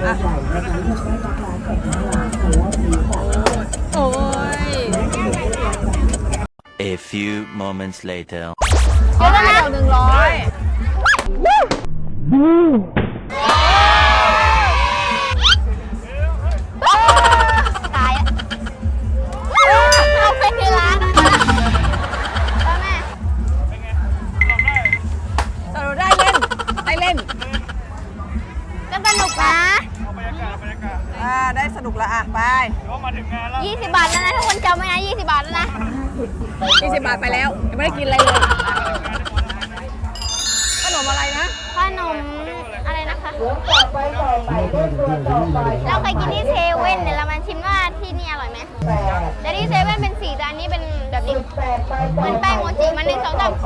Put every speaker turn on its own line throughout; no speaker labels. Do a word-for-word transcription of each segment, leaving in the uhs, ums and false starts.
โอ้ย
A few moments later
เดี๋ยวนะหนึ่งร้อยตายเอาไปที่ร้านแล้วแม่สนุกได้เล่นได้เล่นก็สนุกนะอ่าได้สนุกแล้วอ่ะไปยี่สิบบาทแล้วนะทุกคนจำไว้นะยี่สิบบาทแล้วนะยี่สิบบาทไปแล้วยังไม่ได้กินอะไรเลยขนมอะไรนะขนมอะไรนะคะเราเคยกินที่เซเว่นเดี๋ยวเรามาชิมว่าที่นี่อร่อยไหมแต่ที่เซเว่นเป็นสีแต่อันนี้เป็นแบบนี้เหมือนแป้งโมจิมันหนึ่งสองสาม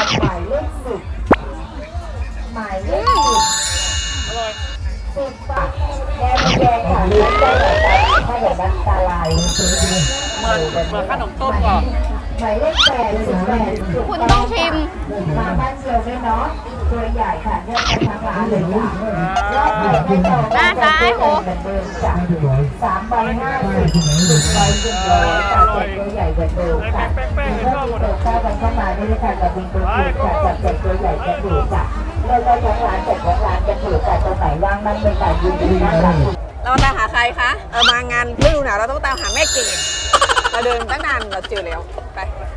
อืมอร่อยสิบบาทแกงแกงค่ะเล็กได้แบบถ้าแบบน้ำตาลายเหมือนเหมือนขนมต้มก่อนหมายเลขแปดสิบแปดคุณต้องชิมมาบ้านเชียวไม่น้อยตัวใหญ่ค่ะเลือกไปทางร้านเลยค่ะรอบใหม่ไม่ต่อหน้าซ้ายโหเหมือนเดิมจ้ะสามใบห้าสิบสิบใบสิบร้อยค่ะเจ็ดตัวใหญ่เหมือนเดิมค่ะเมื่อมีเปิดเข้ากันเข้ามาได้เลยค่ะกับบินตัวถูกค่ะจับเจ็ดตัวใหญ่จะถูกจ้ะเลือกได้ทั้งร้านเจ็ดทั้งร้านจะถูกแต่ตัวไหนว่างนั่นเป็นการยืนอยู่นั่งหลังเราตามหาใครคะเออมางานฤดูหนาวเราต้องตามหาแม่เกดเราเดินตั้งนานเราเจอแล้วไป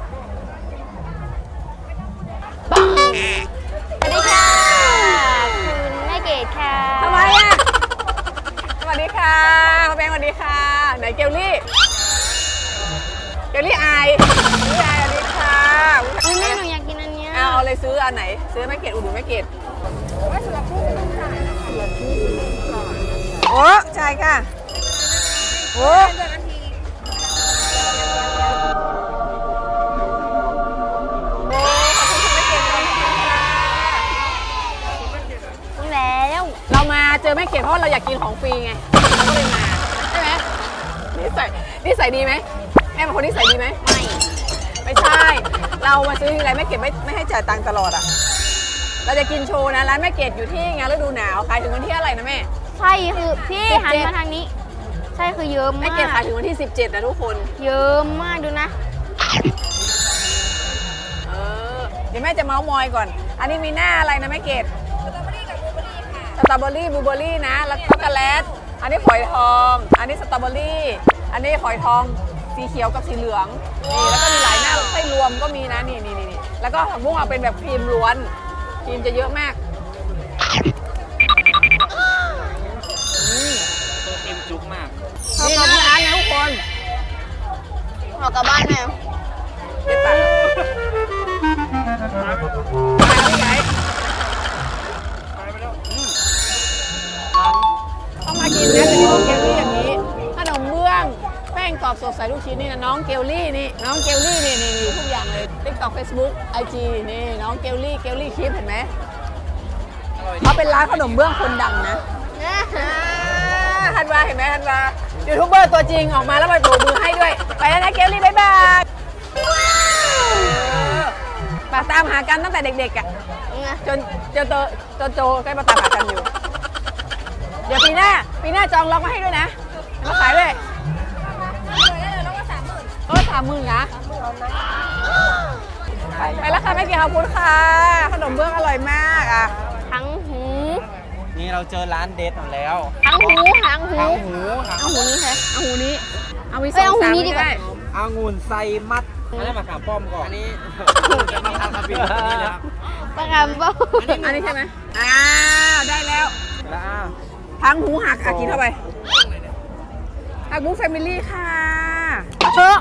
ปังสวัสดีค่ะคุณแม่เกดค่ะทำไมอ่ะสวัสดีค่ะพ่อแบงค์สวัสดีค่ะไหนเกลลี่เกลลี่อายเกลลี่อายสวัสดีค่ะแม่หนูอยากกินอันนี้เอาเลยซื้ออันไหนซื้อแม่เกดอุดหนุนแม่เกดว่าสำหรับผู้ไม่ต้องจ่ายนะคะสำหรับผู้ไม่ต้องจ่ายโอ้ใช่ค่ะโอ้เรามาเจอแม่เกดเพราะเราอยากกินของฟรีไงเราก็เลยมาใช่ไหมนิสัยนิสัยดีไหมแม่เป็นคนนิสัยดีไหมไม่ไม่ใช่เรามาซื้ออะไรแม่เกดไม่ไม่ให้จ่ายตังค์ตลอดอ่ะเราจะกินโชว์นะร้านแม่เกดอยู่ที่งานฤดูหนาวขายถึงวันที่อะไรนะแม่ใช่คือพี่หันมาทางนี้ใช่คือเยอะมากแม่เกดขายถึงวันที่สิบเจ็ดนะทุกคนเยอะมากดูนะเออเดี๋ยวแม่จะเมาส์มอยก่อนอันนี้มีหน้าอะไรนะแม่เกดสตรอเบอรี่บลูเบอรี่นะแล้วช็อกโกแลตอันนี้ฝอยทองอันนี้สตรอเบอรี่อันนี้ฝอยทองสีเขียวกับสีเหลืองนี่แล้วก็มีหลายหน้าไส้รวมก็มีนะนี่นี่นี่แล้วก็ผักบุ้งเอาเป็นแบบครีมล้วนครีมจะเยอะมาก
ตัวเต็มจุกมาก
นี่นะร้านนะทุกคนออกกลับบ้านแม่เด็ดปากมาที่ไหนต้องมากินนะเป็นน้องเกลลี่อย่างนี้ขนมเบื้องแป้งกรอบสดใสลูกชิ้นนี่นะน้องเกลลี่นี่น้องเกลลี่นี่นี่นี่ทุกอย่างเลย TikTok Facebook ไอ จี นี่น้องเกลลี่เกลลี่คลิปเห็นไหมเขาเป็นร้านขนมเบื้องคนดังนะฮันวาเห็นไหมฮันวายูทูบเบอร์ตัวจริงออกมาแล้วมาโบกมือให้ด้วยไปแล้วนะเกลลี่บ๊ายบายมาตามหากันตั้งแต่เด็กๆอ่ะจนจนโตจนโตใกล้มาตามหากันอยู่เดี๋ยวปีหน้าปีหน้าจองล็อกมาให้ด้วยนะมาขายด้วยล็อกมาสามหมื่นล็อกมาสามหมื่นนะไปแล้วค่ะแม่เกียรติขอบคุณค่ะขนมเบื้องอร่อยมากอ่ะทั้งหู
นี่เราเจอร้านเด็ดหมดแล้ว
ทั้งหูทั้งหู
ทั้งหู
ทั้งหูนี้ใช่ทั้งหูนี้เอาวิสองสามนี้ได้
องุ่นไซมัดอันนี้มาขามป้อมก่อนอันนี้จะมาทำคาเฟ่นี่นะ
ปากกามป้อมอันนี้ใช่ไหมอ้าวได้แล้ว
แล้ว
ทั้งหูหักอ่ะกินเข้าไปหักบุ้งแฟมิลี่ค่ะเชอะ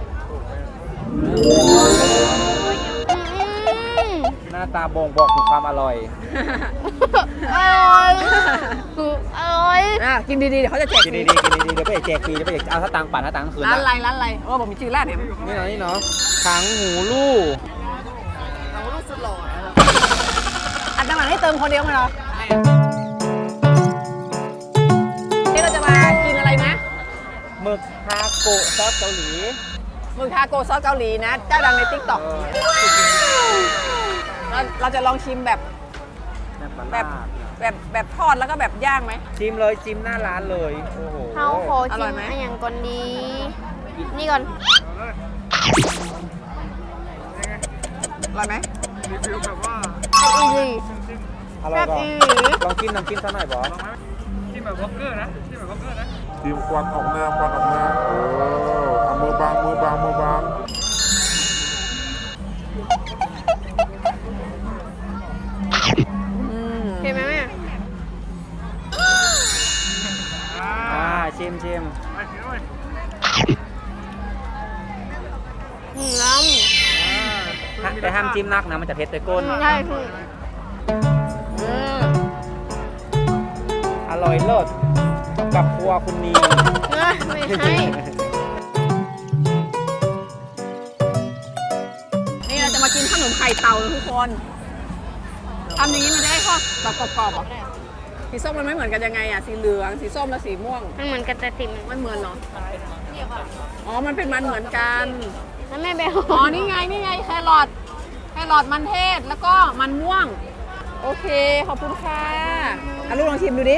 หน้าตาบ่งบอกถึงความอร่อย
อร่อยอร่อยอ่ะกินดีๆเดี๋ยวเขาจะแจก
กินดีๆกินดีๆเดี๋ยวไปแจกฟรีเดี๋ยวไปเอาถ้าตังค์ปั่นถ้าตังค์คืน
ร้านอะไรร้านอะไรโอ้ผมมีชื่อร้านเนี่ย
นี่เนาะนี่เนาะถังหูลู่
ถังหูลู่สุดหล่ออันต่างๆให้เติมคนเดียวมั้ยเนาะนี่เราจะมากินอะไรนะ
หมึกทาโกะซอสเกาหลี
หมึกทาโกะซอสเกาหลีนะเจ้าดังใน ติ๊กต็อก เราเราจะลองชิมแบบแบบ
แบบแบบทอดแล้วก็แบบย่างไหม
จิ้มเลยจิ้มหน้าร้านเลยโอ้โห
เขาขอ
อร่
ชิ
อย
ม
ไหม
อันอย่างก่อนดี นี่ก่อน
อร่อยไหม
อีหลี
อร่อยป่ะ
แซ่บอีหลี
ลองจิ้มน้ำจิ้มซะหน่อยบอส
ทีมควันออกหน้าควันออกหน้าเออเอามือบางมือบางมือบาง
อืม
เห็นไหมแม่
อ่าชิมชิม
หืมล้
ฮะแต่ห้ามจิ้มนักนะมันจะเผ็ดไปก้น
ำใช่คือ
อืม
อร่อยเลิศกับครัวคุณนี
เอ้ยไม่ให้
นี่เราจะมากินขนมไข่เต่านะทุกคนทำอย่างนี้มันจะได้ทอดแบบกรอบๆเหรอสีส้มมันไม่เหมือนกันยังไงอ่ะสีเหลืองสีส้มและสีม่วง
มันเหมือนกระจะติ่ม
มันเหมือนเหรออ๋อมันเป็นมันเหมือนกัน
แล้วแม่ไป
อ๋อนี่ไงนี่ไงแครอทแครอทมันเทศแล้วก็มันม่วง โอเคขอบคุณค่ะอ่ะลูกลองชิมดูดิ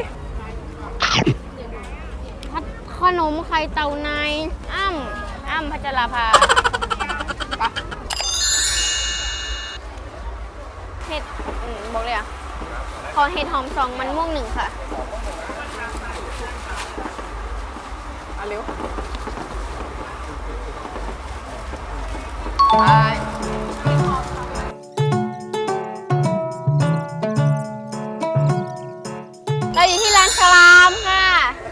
ขนมไข่เต่าในอ้ำอ้ำพัชราภาเห็ดอืมบอกเลยอ่ะ ขอเห็ดหอมสองมันม่วงหนึ่งค่ะ
เอาเร็วไป
เราอยู่ที่ร้านฉลามค่ะ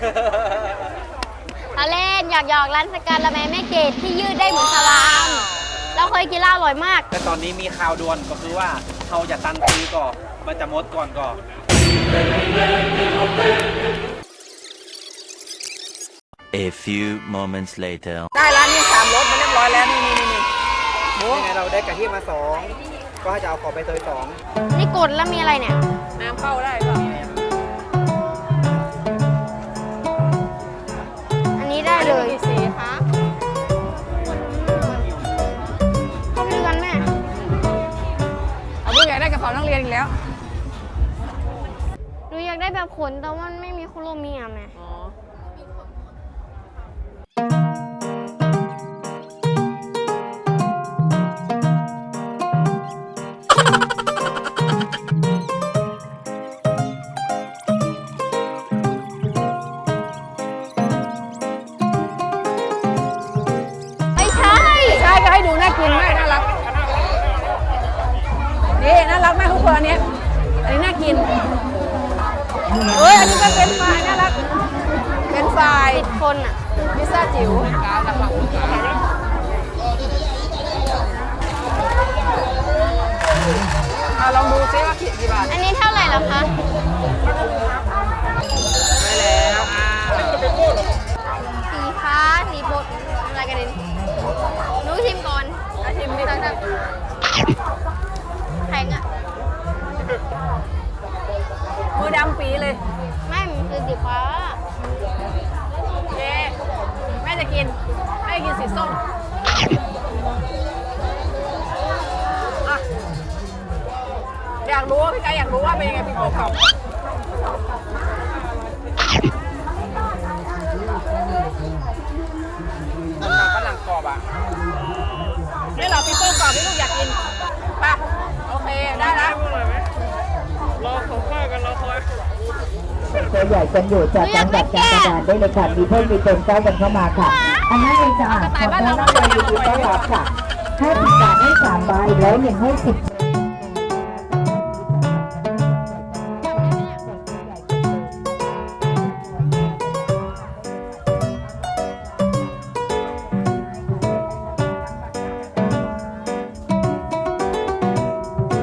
เราเล่นหยอกหยอกๆร้านสการละแมแม่เกดที่ยืดได้เหมือนฉลาม เราเคยกินแล้วอร่อยมาก
แต่ตอนนี้มีข่าวด่วนก็คือว่าเขาจะตันซื้อก่อนมันจะหมดก่อนก่อน
A few moments later.
ได้ร้านนี้สามรสมาเรียบร้อยแล้วนี่นี่นี่นี่โอ้
นี่ไงเราได้กะทิมาสองก็จะเอาขอไปเตยสอง
นี่กดแล้วมีอะไรเนี่ย
น้ำเข้าได้ป่ะ
อันนี้ได้เลย
กี่สีคะ
เข้าไปดูกันแม่
เอาผู้ใหญ่ได้กระเป๋านักเรียนอีกแล้ว
หนูอยากได้แบบขนแต่ว่ามันไม่มีโคโรเมียแม่
อ๋อ
ไม่ใช่
ใช่ก็ให้ดูน่ากินมากน่ารักนี่น่ารักมากทุกคนอันนี้อันนี้น่ากินเอ้ยอันนี้ก็เป็นไฟรายน่ารักเป็นไฟราย
ติดคนอ่ะ
พิซซ่าจิ๋วเอาลองดูซิว่ากี่บาท
อันนี้เท่าไหร่แล้วคะ
ได้แล้วอ่า
สีฟ้า สีบดอะไรกันดินหนูชิมก่อน
อาชิมดิ
แข็งอ่ะ
มือดำปีเลย
ไม่มันคือสีฟ้า
เย้แม่จะกินแม่จะกินสีส้มอ่ะอยากรู้ว่าพี่กายอยากรู้ว่าเป็นยังไงพี่โกเขามันฝรั่งกรอบอ่ะนี่เหราพี่โก้กรอบที่ลูกอยากกินไปโอเคได้แล้ว
ตัวใหญ่กันอยู่จากจังหวัดกาญจนบุรีได้เลยค่ะมีเพิ่มมีเติมเก้ากันเข้ามาค่ะ อันนั้นเองจะอ่านขอต้อนรับเลยยินดีต้อนรับค่ะให้สิบบาทให้สามใบแล้วหนึ่งให้สิบ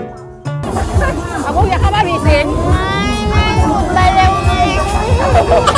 เอาพวกอยากเข้าบ้านผีสิง
ไม่ไม่หมุนไปเร็วเลย